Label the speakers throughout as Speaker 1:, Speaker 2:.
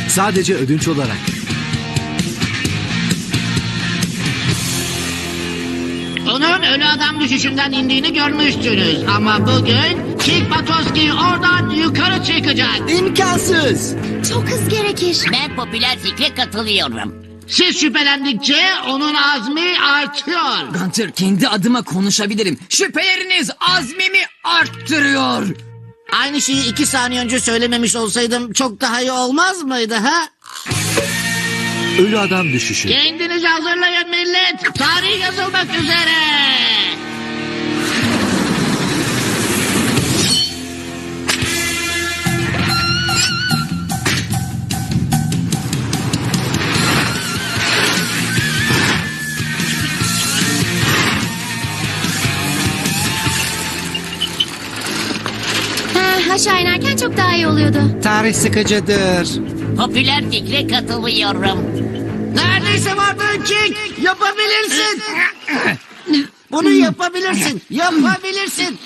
Speaker 1: Sadece ödünç olarak.
Speaker 2: Onun ölü adam düşüşünden indiğini görmüştünüz. Ama bugün Kik Batoski oradan yukarı çıkacak.
Speaker 1: İmkansız.
Speaker 3: Çok hız gerekir.
Speaker 4: Ben popüler fikre katılıyorum.
Speaker 2: Siz şüphelendikçe onun azmi artıyor.
Speaker 5: Gunter, kendi adıma konuşabilirim. Şüpheleriniz azmimi arttırıyor.
Speaker 2: Aynı şeyi 2 saniye önce söylememiş olsaydım çok daha iyi olmaz mıydı ha?
Speaker 1: Ölü adam düşüşü.
Speaker 2: Kendinizi hazırlayın millet. Tarih yazılmak üzere.
Speaker 3: Aşağı inerken çok daha iyi oluyordu.
Speaker 1: Tarih sıkıcıdır.
Speaker 4: Popüler fikre katılıyorum.
Speaker 2: Neredeyse vardın Kik. Yapabilirsin. Bunu yapabilirsin. Yapabilirsin.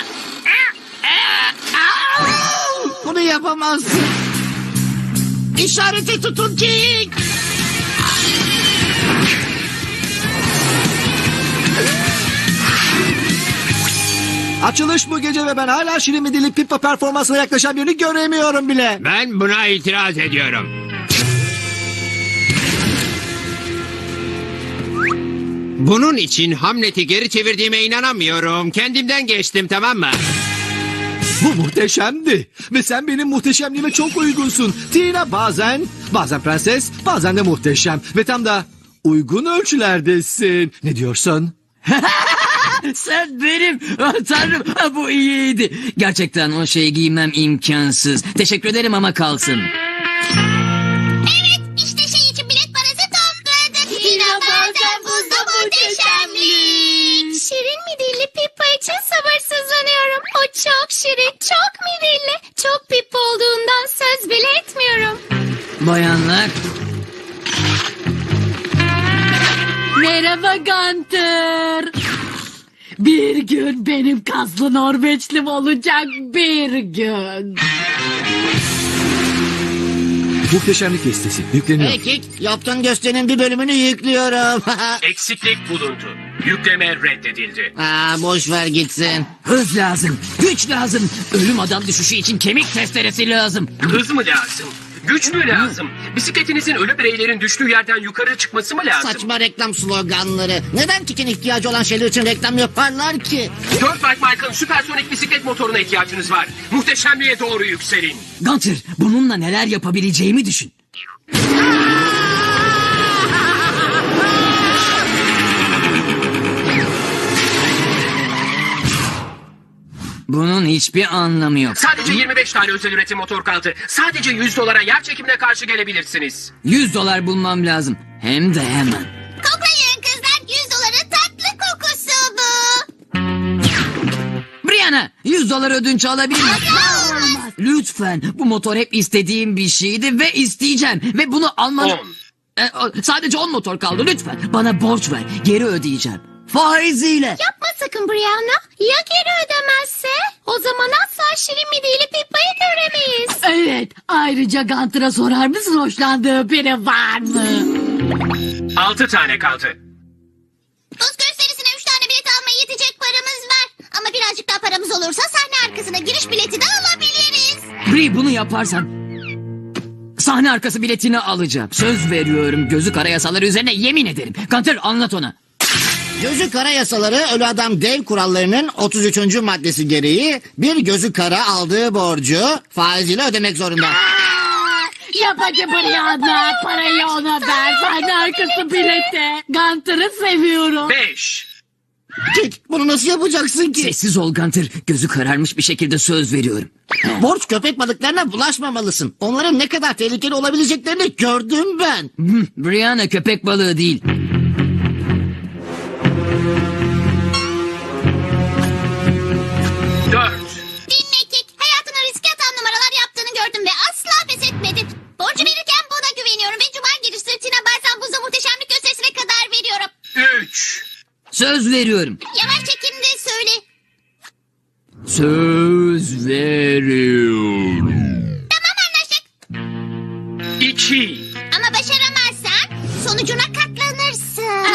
Speaker 2: Bunu yapamazsın. İşareti tutun Kik.
Speaker 1: Açılış bu gece ve ben hala Şirin mi Dili Pippa performansına yaklaşan birini göremiyorum bile.
Speaker 6: Ben buna itiraz ediyorum. Bunun için Hamlet'i geri çevirdiğime inanamıyorum. Kendimden geçtim, tamam mı?
Speaker 1: Bu muhteşemdi. Ve sen benim muhteşemliğime çok uygunsun. Tina bazen prenses, bazen de muhteşem. Ve tam da uygun ölçülerdesin. Ne diyorsun?
Speaker 5: Sen benim. Ah, Tanrım, bu iyiydi. Gerçekten o şeyi giymem imkansız. Teşekkür ederim ama kalsın.
Speaker 3: Evet, işte şey için bilet parası topladık. Tina bazen buzda muhteşemlik. Şirin midilli Pippa için sabırsızlanıyorum. O çok şirin, çok midilli. Çok Pippa olduğundan söz bile etmiyorum.
Speaker 5: Bayanlar.
Speaker 7: Merhaba Gunter. Bir gün benim kaslı Norveçlim olacak, bir gün.
Speaker 1: Muhteşemlik listesi yükleniyor.
Speaker 2: Hey Kik, yaptığın gösterinin bir bölümünü yüklüyorum.
Speaker 8: Eksiklik bulundu. Yükleme reddedildi.
Speaker 2: Boş ver gitsin.
Speaker 5: Hız lazım. Güç lazım. Ölüm adam düşüşü için kemik testeresi lazım.
Speaker 8: Hız mı lazım? Güç mü lazım? Bisikletinizin ölü bireylerin düştüğü yerden yukarı çıkması mı lazım?
Speaker 2: Saçma reklam sloganları. Neden Kik'in ihtiyacı olan şeyler için reklam yaparlar ki?
Speaker 8: 4 Bike Mike'ın süpersonik bisiklet motoruna ihtiyacınız var. Muhteşemliğe doğru yükselin.
Speaker 5: Gunter, bununla neler yapabileceğimi düşün. Bunun hiçbir anlamı yok.
Speaker 8: Sadece 25 tane özel üretim motor kaldı. Sadece $100 yer çekimine karşı gelebilirsiniz.
Speaker 5: $100 bulmam lazım. Hem de hemen.
Speaker 3: Koklayın kızlar, $100 tatlı kokusu bu.
Speaker 5: Brianna, $100 ödünç alabilir miyim?
Speaker 3: Olmaz.
Speaker 5: Lütfen. Bu motor hep istediğim bir şeydi ve isteyeceğim. Ve bunu alman...
Speaker 8: 10.
Speaker 5: Sadece 10 motor kaldı lütfen. Bana borç ver. Geri ödeyeceğim. Faiziyle.
Speaker 3: Yapma sakın Brianna. Ya geri ödemezse? O zaman asla Şirin midilli Pippa'yı göremeyiz.
Speaker 7: Evet, ayrıca Gunter'a sorar mısın hoşlandığı biri var mı?
Speaker 8: 6 tane kaldı.
Speaker 3: Buz gösterisine 3 tane bilet almaya yetecek paramız var. Ama birazcık daha paramız olursa sahne arkasına giriş bileti de alabiliriz.
Speaker 5: Bri, bunu yaparsan sahne arkası biletini alacağım. Söz veriyorum, gözü kara yasaları üzerine yemin ederim. Gunter, anlat ona.
Speaker 2: Gözü kara yasaları ölü adam dev kurallarının 33. maddesi gereği bir gözü kara aldığı borcu faiziyle ödemek zorunda.
Speaker 7: Yap hadi Brianna, parayı ona ver. Sahne arkası bileti. Gunter'ı seviyorum.
Speaker 8: 5.
Speaker 2: Kik, bunu nasıl yapacaksın ki?
Speaker 5: Sessiz ol Gunter, gözü kararmış bir şekilde söz veriyorum.
Speaker 2: Borç köpek balıklarına bulaşmamalısın. Onların ne kadar tehlikeli olabileceklerini gördüm ben.
Speaker 5: Brianna köpek balığı değil.
Speaker 3: Dinle Kik. Hayatına riske atan numaralar yaptığını gördüm ve asla pes etmedin. Borcu verirken buna güveniyorum ve Cuma gecesi Tina bazen buzda muhteşemlik gösterisine kadar veriyorum.
Speaker 8: 3.
Speaker 5: Söz veriyorum.
Speaker 3: Yavaş çekimde söyle.
Speaker 5: Söz veriyorum.
Speaker 3: Tamam anlaştık.
Speaker 8: 2.
Speaker 3: Ama başaramazsan sonucuna katlanırsın.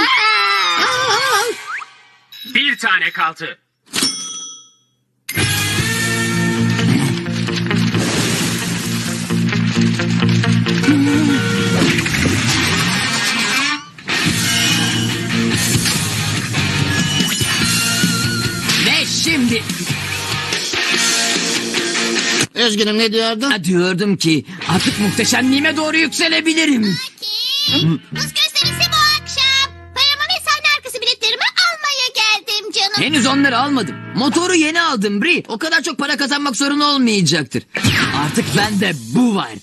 Speaker 8: Bir tane kaldı.
Speaker 5: Ve şimdi
Speaker 2: Üzgünüm, ne diyordun?
Speaker 5: diyordum ki artık muhteşemliğime doğru yükselebilirim.
Speaker 3: Kim? Buz gösterisi bu akşam. Paramı ve sahne arkası biletlerimi almaya geldim canım.
Speaker 5: Henüz onları almadım. Motoru yeni aldım Bri. O kadar çok para kazanmak sorun olmayacaktır. Artık bende bu var.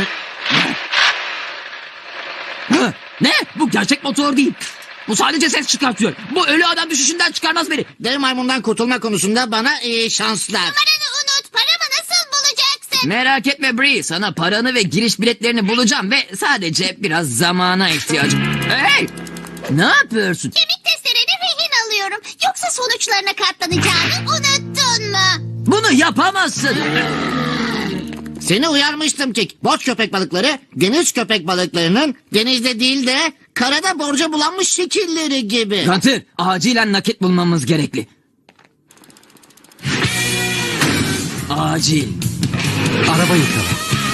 Speaker 5: Ne? Bu gerçek motor değil. Bu sadece ses çıkartıyor. Bu ölü adam düşüşünden çıkarmaz beni.
Speaker 2: Dev maymundan kurtulma konusunda bana iyi şanslar.
Speaker 3: Paranı unut. Paramı nasıl bulacaksın?
Speaker 5: Merak etme Bri. Sana paranı ve giriş biletlerini bulacağım ve sadece biraz zamana ihtiyacım. Hey! Ne yapıyorsun?
Speaker 3: Kemik testlerini rehin alıyorum. Yoksa sonuçlarına katlanacağını unuttun mu?
Speaker 5: Bunu yapamazsın.
Speaker 2: Seni uyarmıştım Kik. Boş köpek balıkları deniz köpek balıklarının denizde değil de karada borca bulanmış şekilleri gibi.
Speaker 5: Gunter, acilen nakit bulmamız gerekli. Acil.
Speaker 1: Araba yıkama.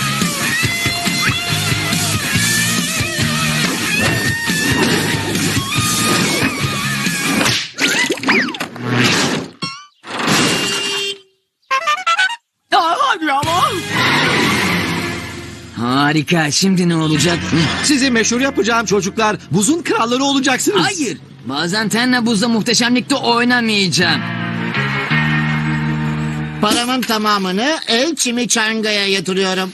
Speaker 5: Hadi ama. Harika. Şimdi ne olacak?
Speaker 1: Sizi meşhur yapacağım çocuklar. Buzun kralları olacaksınız.
Speaker 5: Hayır. Bazen tenle buzda muhteşemlikte oynamayacağım.
Speaker 2: Paramın tamamını El Chimichanga'ya yatırıyorum.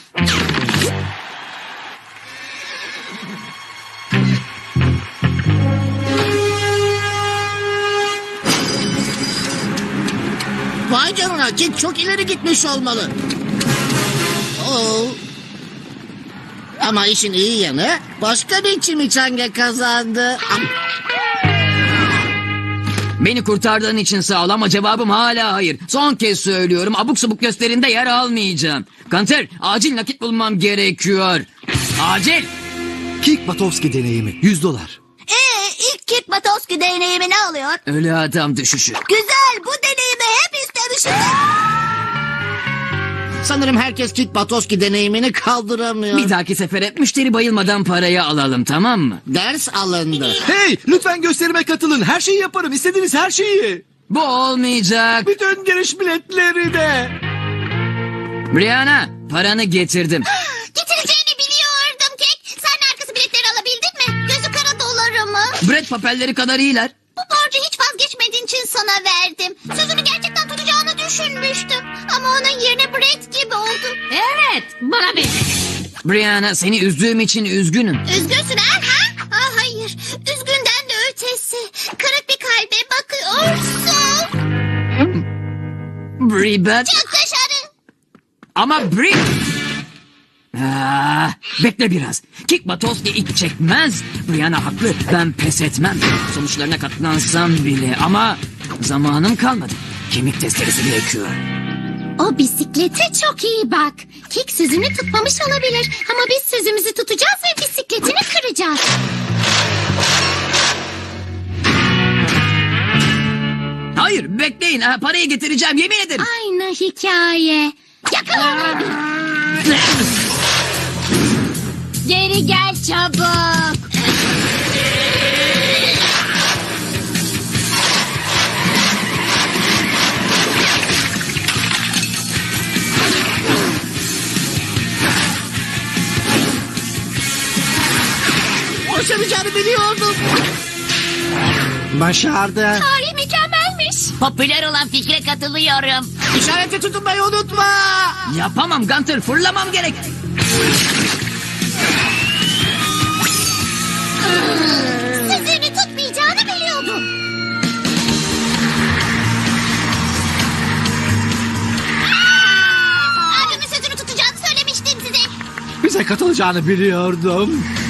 Speaker 2: Vay canına, Kik çok ileri gitmiş olmalı. Oo. Ama işin iyi yanı başka bir Chimichanga kazandı.
Speaker 5: Beni kurtardığın için sağ ol ama cevabım hala hayır. Son kez söylüyorum. Abuk subuk gösterinde yer almayacağım. Gunter, acil nakit bulmam gerekiyor. Acil.
Speaker 1: Kik Batowski deneyimi $100.
Speaker 3: İlk Kik Batowski deneyimi ne oluyor?
Speaker 5: Ölü adam düşüşü.
Speaker 3: Güzel, bu deneyimi hep istemiştim.
Speaker 2: Sanırım herkes Kik Batowski deneyimini kaldıramıyor.
Speaker 5: Bir dahaki sefere müşteri bayılmadan parayı alalım, tamam mı?
Speaker 2: Ders alındı.
Speaker 1: Hey, lütfen gösterime katılın. Her şeyi yaparım. İstediğiniz her şeyi.
Speaker 5: Bu olmayacak.
Speaker 1: Bütün giriş biletleri de.
Speaker 5: Brianna, paranı getirdim.
Speaker 3: Getireceğini biliyordum Kek. Sen arkası biletleri alabildin mi? Gözü kara doları mı?
Speaker 5: Brett papelleri kadar iyiler.
Speaker 3: Bu borcu hiç vazgeçmediğin için sana verdim. Sözünü gerçekten tutacağını düşünmüştüm. Ama onun yerine Brett gibi oldu.
Speaker 7: Evet, bana bir.
Speaker 5: Brianna, seni üzdüğüm için üzgünüm.
Speaker 3: Üzgünsün ha? Hayır. Üzgünden de ötesi. Kırık bir kalbe bakıyorsun.
Speaker 5: Bri, ben...
Speaker 3: Çık dışarı.
Speaker 5: Ama Bri... Bekle biraz. Kik Batowski ilk çekmez. Brianna haklı. Ben pes etmem. Sonuçlarına katlansam bile ama zamanım kalmadı. Kemik testeresi gerekiyor.
Speaker 3: O bisiklete çok iyi bak. Kik sözünü tutmamış olabilir. Ama biz sözümüzü tutacağız ve bisikletini kıracağız.
Speaker 5: Hayır, bekleyin. Parayı getireceğim, yemin ederim.
Speaker 3: Aynı hikaye. Yakala beni.
Speaker 7: Geri gel çabuk.
Speaker 2: Başaracağını biliyordum.
Speaker 1: Başardı.
Speaker 3: Tarih mükemmelmiş.
Speaker 4: Popüler olan fikre katılıyorum.
Speaker 2: İşareti tutunmayı unutma.
Speaker 5: Yapamam Gunter, fırlamam gerek.
Speaker 3: Sözünü tutmayacağını biliyordum. Abimin sözünü tutacağını söylemiştim size.
Speaker 1: Bize katılacağını biliyordum.